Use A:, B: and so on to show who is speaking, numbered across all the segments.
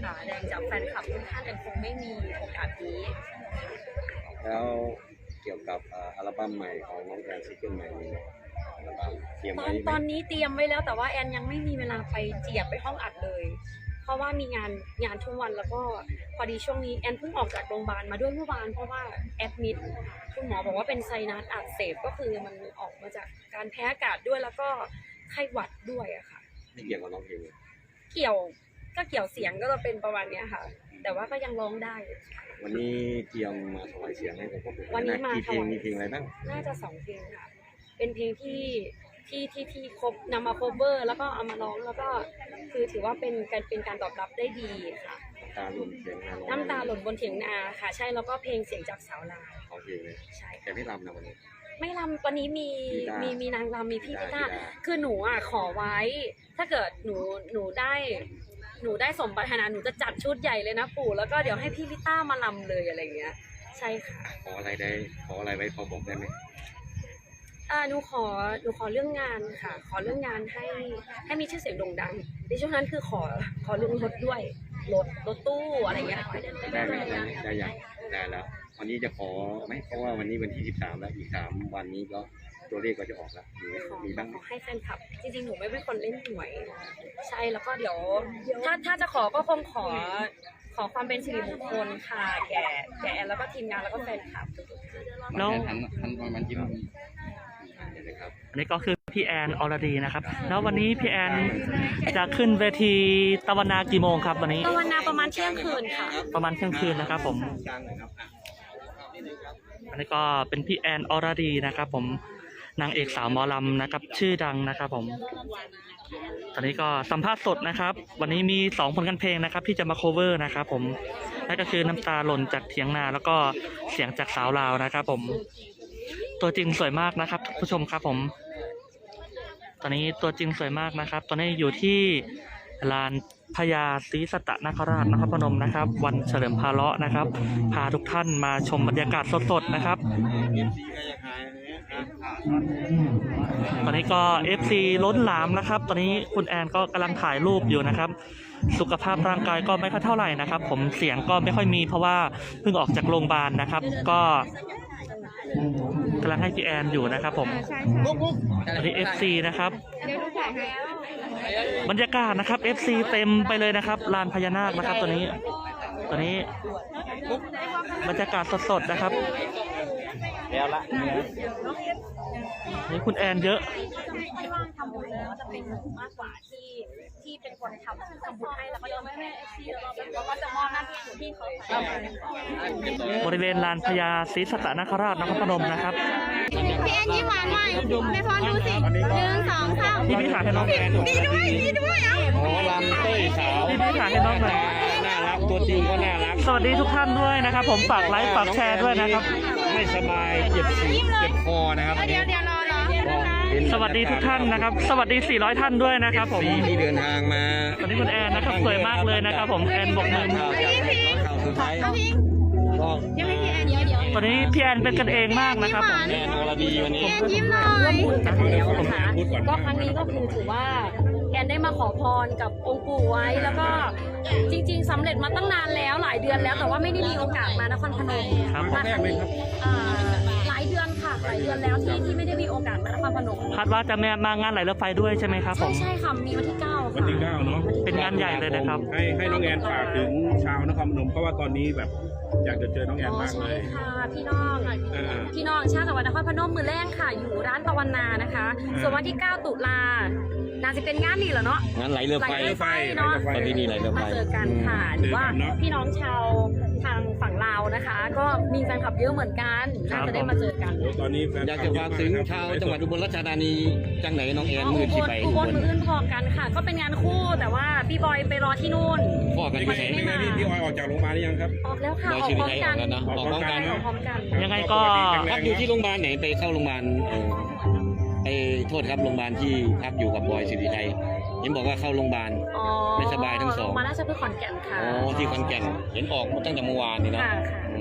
A: ค่ะแดงจากแฟนคลับทุกท่านแอนคงไม่มีโอกาสนี้
B: แล้วเกี่ยวกับอัลบั้มใหม่ของน้องแอนซิงเกิลใหม่นี้อัลบั้มเตรียมไว้ไหม
A: ตอนนี้เตรียมไว้แล้วแต่ว่าแอนยังไม่มีเวลาไปเจียบไปห้องอัดเลย เพราะว่ามีงานทุกวันแล้วก็พอดีช่วงนี้แอนเพิ่งออกจากโรงพยาบาลมาด้วยเมื่อวานเพราะว่าแอดมิดคุณหมอบอกว่าเป็นไซนัสอักเสบก็คือมันออกมาจากการแพ้อากาศด้วยแล้วก็ไข้หวัดด้วยอะค่ะ
B: ไม่เกี่ยวกับน้องเพลง
A: เกี่ยวเสียงก็จะเป็นประมาณนี้ค่ะแต่ว่าก็ยังร้องได้
B: วันนี้เตรียมมาถวายเสียงให้กับผม
A: วันนี้มา
B: กี่เพลงมีเพลงอะไรบ้าง
A: น่าจะ2 เพลงค่ะเป็นเพลงที่ครบนำมาโคเวอร์แล้วก็เอามาร้องแล้วก็คือถือว่าเป็นการตอบรับได้ดีค่ะน้ำตาหล่นบนเถียงนาค่ะใช่แล้วก็เพลงเสียงจากสาวลาว
B: โอเคเลย
A: ใช่
B: แต่ไม่รำนะวันนี้
A: ไม่รำวันนี้มีนางรำมีพี่พิต้าคือหนูอ่ะขอไว้ถ้าเกิดหนูได้สมปรารถนาหนูจะจัดชุดใหญ่เลยนะปู่แล้วก็เดี๋ยวให้พี่พิต้ามารำเลยอะไรเงี้ยใช่ค่ะ
B: ขออะไรไว้พอบอกได้ไหม
A: หนูขอเรื่องงานค่ะขอเรื่องงานให้มีชื่อเสียงโด่งดังในช่วงนั้นคือขอเรื่องรถด้วยรถตู้อะไรเงี้ย
B: ได้อย่างได้แล้ววันนี้จะขอไหมเพราะว่าวันนี้วันที่13แล้วอีก3วันนี้ก็ตัวเลขก็จะออกแล้วมีบ้าง
A: ขอให้แฟนคลับจริงๆหนูไม่เป็นคนเล่นหวยใช่แล้วก็เดี๋ยวถ้าจะขอก็คงขอความเป็นสิริมงคลค่ะแก่แอนแล้วก็ทีมงานแล้วก็แฟนคลับ
C: แล้วอันนี้ก็คือพี่แอนอรดีนะครับแล้ววันนี้พี่แอนจะขึ้นเวทีตะวันนากี่โมงครับวันนี้
A: ตะวันนาประมาณเที่ยงคืนค่ะ
C: ประมาณเที่ยงคืนนะครับผมอันนี้ก็เป็นพี่แอนอรดีนะครับผมนางเอกสาวหมอลำนะครับชื่อดังนะครับผมตอนนี้ก็สัมภาษณ์สดนะครับวันนี้มี2ผลงานเพลงนะครับที่จะมาโคเวอร์นะครับผมนั่นก็คือน้ำตาหล่นจากเถียงนาแล้วก็เสียงจากสาวลาวนะครับผมตัวจริงสวยมากนะครับผู้ชมครับผมตอนนี้ตัวจริงสวยมากนะครับตอนนี้อยู่ที่ลานพญาศรีสัตนคราชนครพนมนะครับวันเฉลิมพาเลาะนะครับพาทุกท่านมาชมบรรยากาศสดๆนะครับตอนนี้ก็ FC ล้นหลามนะครับตอนนี้คุณแอนก็กำลังถ่ายรูปอยู่นะครับสุขภาพร่างกายก็ไม่ค่อยเท่าไหร่นะครับผมเสียงก็ไม่ค่อยมีเพราะว่าเพิ่งออกจากโรงพยาบาลนะครับก็กำลังให้พี่แอนอยู่นะครับผมตอนนี้ FC นะครับบรรยากาศนะครับ FC เต็มไปเลยนะครับลานพญานาคนะครับตอนนี้บรรยากาศสดๆนะครับ
B: แล้วละ
C: นี่คุณแอนเยอะ
A: ไม่ว่างทำบุญแล้วจะเป็นมากกว่าที่เป็นคนทำบุญให้แล้วก็จะไม่ให้ที่แล้วก็จะมอบหน้าที่ที่เขา
C: บริเวณลานพญาศรีสัตนคราชนครพนมนะครับ
D: พี่แอนยิ้มหวานหน่อยไม่พอดูสิ1 2 3
C: พี่ถ่ายให้น้องแอน
D: ดีด้วยอ่ะ
B: หมอลำเต้ยสาว
C: พี่ถ่ายให้น้องหน่อย
B: น่ารักตัวจริงก็น่ารัก
C: สวัสดีทุกท่านด้วยนะครับผมฝากไลค์ฝากแชร์ด้วยนะครับ
B: ไม่สบายเจ็บคอนะครับ
D: เดี๋ยวรอ
C: สวัสดีทุกท่านนะครับสวัสดี400ท่านด้วยนะครับผม
B: ที่เดินทางมา
C: ตอนนี้คุณแอนนะครับสวยมากเลยนะครับผมแอนบอกมือ
B: ข่าวสุดท้าย
D: ยังไม่พี่แอนเดี๋ยว
C: ตอนนี้พี่แอนเป็นกันเองมากนะครับผม
B: แอนอรดีวันนี้
D: แอนยิ้มหน่อย
A: ร่วมบุญกันแล้วนะคะก็ครั้งนี้ก็คือถือว่าแอนได้มาขอพรกับองค์ปู่ไว้แล้วก็จริงๆสำเร็จมาตั้งนานแล้วหลายเดือนแล้วแต่ว่าไม่ได้มีโอกาสมานครพนมมาครั้งนี้หลายเดือนค่ะหลายเดือนแล้วที่ไม่ได้มีโอกาสมานครพนม
C: คาดว่าจะมางานไหลเรือไฟด้วยใช่ไหมครับผม
A: ใช่ค่ะมีวันที่9
E: วันที่9เนาะ
C: เป็นงานใหญ่เลยนะครับ
E: ให้น้องแอนฝากถึงชาวนครพนมเพราะว่าตอนนี้แบบอยากจะเจอน้องแอนมากเลย
A: ค่ะพี่น้องชาติจังหวัดนครพนมมือแรกค่ะอยู่ร้านตะวันนานะคะส่วนวันที่9 ตุลาน่าจะเป็นงานนี้เหรอเนาะ
B: งานไหลเรือไฟ
A: เนาะ
B: ตอนนี้นี่ไหลเรือไฟ
A: มาเจอกันค่ะหรือว่าพี่น้องชาวทางฝั่งลาวนะคะก็มีแฟนคลับเยอะเหมือนกันน่าจะได้มาเจอกัน
E: ตอนนี้
B: อยากจะฝากถึงชาวจังหวัดอุบลราชธานีจังไหนน้องแอนมือที่ไป
A: อุบลมืออื่นพอกันค่ะก็เป็นงานคู่แต่ว่าพี่บอยไปรอที่นู่น
B: พ่อกันที่ไหน
E: พี่ออยออกจากโรงพยาบาลหรือยังครับ
A: ออกแล้วค่ะออกพร้อมกัน
B: ออกพร้อมกัน
C: ยังไงก็
B: พักอยู่ที่โรงพยาบาลไหนไปเข้าโรงพยาบาลโทษครับโรงพยาบาลที่พักอยู่กับบอยสิริชัยยังบอกว่าเข้าโรงพยาบาลไม่สบายทั้งสอง
A: มาราชพฤกษ์ขอนแก่นค่ะ
B: อ๋อที่ขอนแก่นเห็นออกตั้งแต่เมื่อวานนี่เนาะ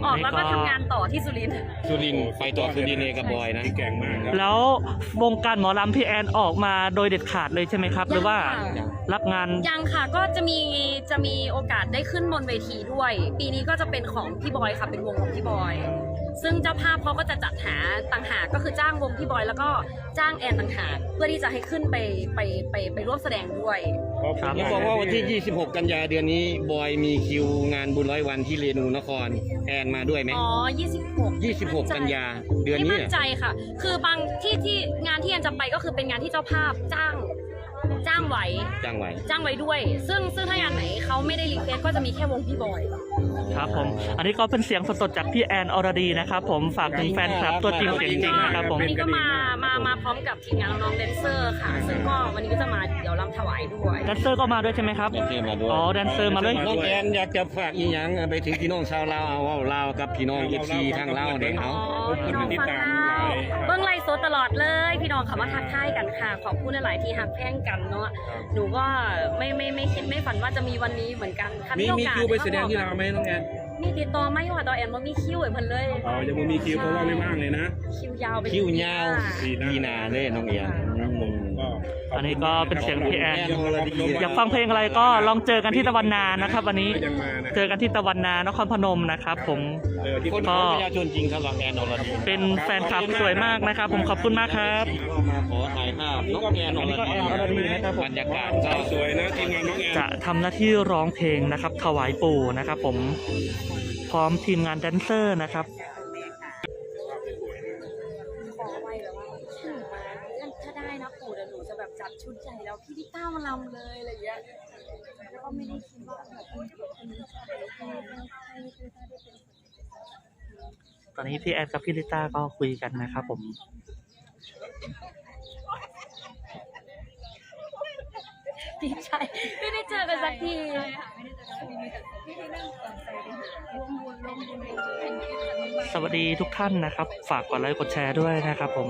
A: ออกแล้วก็ทำงานต่อที่สุรินทร์
B: สุรินทร์ไปต่อสุรินทร์เองกับบอยนะ
E: ที่แก่งมากครับ
C: แล้ววงการหมอลำพี่แอนออกมาโดยเด็ดขาดเลยใช่ไหมครับ หรือว่ารับงาน
A: ยังค่ะก็จะมีโอกาสได้ขึ้นบนเวทีด้วย ปีนี้ก็จะเป็นของพี่บอยค่ะเป็นวงของพี่บอย ซึ่งเจ้าภาพเขาก็จะจัดหาต่างหากก็คือจ้างวงพี่บอยแล้วก็จ้างแอนต่างหากเพื่อที่จะให้ขึ้นไปร่วมแสดงด้วย
C: ครับ
B: เขาบอกว่าวันที่ 26 กันยาเดือนนี้บอยมีคิวงานบุญร้อยวันที่เรนูนครแอนมาด้วยไหม
A: อ๋อ 26
B: 26 กันยาเดือน
A: ไม่
B: นี้
A: มั่นใจค่ะ คือบางที่งานที่แอนจะไปก็คือเป็นงานที่เจ้าภาพจ้างไว้
B: จ้างไว้
A: จ้างไว้ด้วย ซึ่งถ้างานไหนเขาไม่ได้รีเควสก็จะมีแค่วงพี่บอย
C: ครับผม อันนี้ก็เป็นเสียงสดๆจากพี่แอนอรดีนะครับผมฝากถึงแฟนคลับตัวจริงเสียงจริงนะครับผม
A: วันนี้ก็มาพร้อมกับทีมงานน้องๆแดนเซอร์ค่ะ ซึ่งก็วันนี้ก็จะมาเดี๋ยวรำถวายด้วย
C: แดนเซอร์ก็มาด้วยใช่ไหมครับ
B: แดนเซอร์มาด้วย
C: อ๋อแดนเซอร์มาเลย
B: น้องแอนอยากจะฝากอีหยังไปถึงพี่น้องชาวลาวเอาลาวกับพี่น้องเอฟซีทางลาวเด็กเขา
A: พี่น้องฟังข่าวเบิ้งไลฟ์สดตลอดเลย พี่น้องเขามาทักทายกันค่ะ ขอบคุณหลายๆที่หักแพงกันเนาะ หนูก็ไม่คิดไม่ฝันว่าจะมีวันนี้เหมือนกันค่ะ
E: มี
A: โอกาส
E: คิวไปแสดงที่ลาวไหมน้องแอน
A: มีติดต่อไหมว่าตอนแอนว่ามีคิวไอ้เพิ่นเลย
E: อ๋อยังไม่มีคิวเพราะว่าไม่ว่างเลยนะ
A: คิวยาวไป
B: คิวยาว
A: ค่ะ
B: ดีนาเลยน้องแอน
E: ครับผมก็ขบคุณ
C: อันนี้ก็เป็นเสียงพี่แอน
E: ขบคุณ
C: อยากฟังเพลงอะไรก็ลองเจอกันที่ตะวันนานะครับ วันนี้
E: ยังมานะ
C: เจอกันที่ตะวันนานครพนมนะครับผม
E: ที่
B: คนของประชาชนจริงครับแอนอรดี
C: เป็นแฟนคลับสวยมากนะครับ ผมขอบคุณมากครับ
B: ก็มาขอถ่ายภาพน้องแอนอรดีนะครับบรรยากาศก็
E: สวยนะทีมงานน้องแอน
C: จะทำหน้าที่ร้องเพลงนะครับ ถวายปู่นะครับ ผมพร้อมทีมงานแดนเซอร์นะครับ
A: ขอไว้แบบว่าหนูมาถ้าได้นะปู่เดี๋ยวหนูจะแบบจัดชุดใหญ่แล้วพี่ดิต้ามาลำเลยอะไรอย่างเงี้ยแล้วก็ไม่ได้คิดว่าแบบคนนี้ชอบให้พี่ต้าได้เป็น
C: ตอนนี้พี่แอนกับพี่ลิต้าก็คุยกันนะครับผม
A: ดีใจไม่ได้เจอกันสักที
C: สวัสดีทุกท่านนะครับ ฝากกดไลค์กดแชร์ด้วยนะครับผม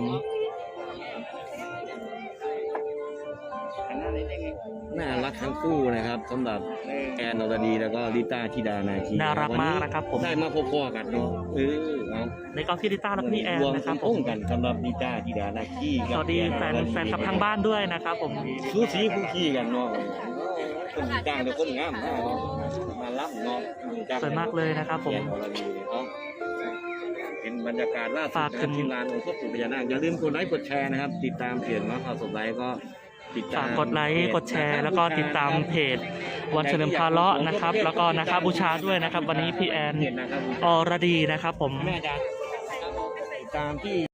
B: น่ารักทั้งคู่นะครับสำหรับแอนอรดีแล้วก็ลิต้าธิดานาคี
C: น่ารักมากนะครับผม
B: ได้มาพบๆกันเนาะเนาะ
C: ในก็พี่ลิต้าและพี่แอน
B: รวม
C: นะครับผ
B: พ้อ
C: ม
B: งกันสำหรับลิต้าธิดานาคี
C: สวัสดีแฟนคลับทางบ้านด้วยนะครับผม
B: สูสีคู่ขี้กันเนาะคนจ้างแต่คนงามมากเนาะมารับเนาะ
C: สวยมากเลยนะครับผม
B: แอนอรดีเนาะเป็นบรรยากาศล่าสุด
C: ฝาก
B: นะค
C: ถึ
B: รับ
C: ง
B: ทีมงานองค์พ่อปู่พญานาคอย่าลืมกดไลค์กดแชร์นะครับ ติดตามเพจมาข่าวสดไลค์ก็ติดตาม
C: ฝากกดไลค์กดแชร์แล้วก็ติดตามเพจวันเฉลิมพาเลาะนะครับ แล้วก็นะครับบูชาด้วยนะครับ วันนี้พี่แอน
B: เพจนะครับ
C: อรดีนะครับผม
B: แม่จ๋าติดตามที่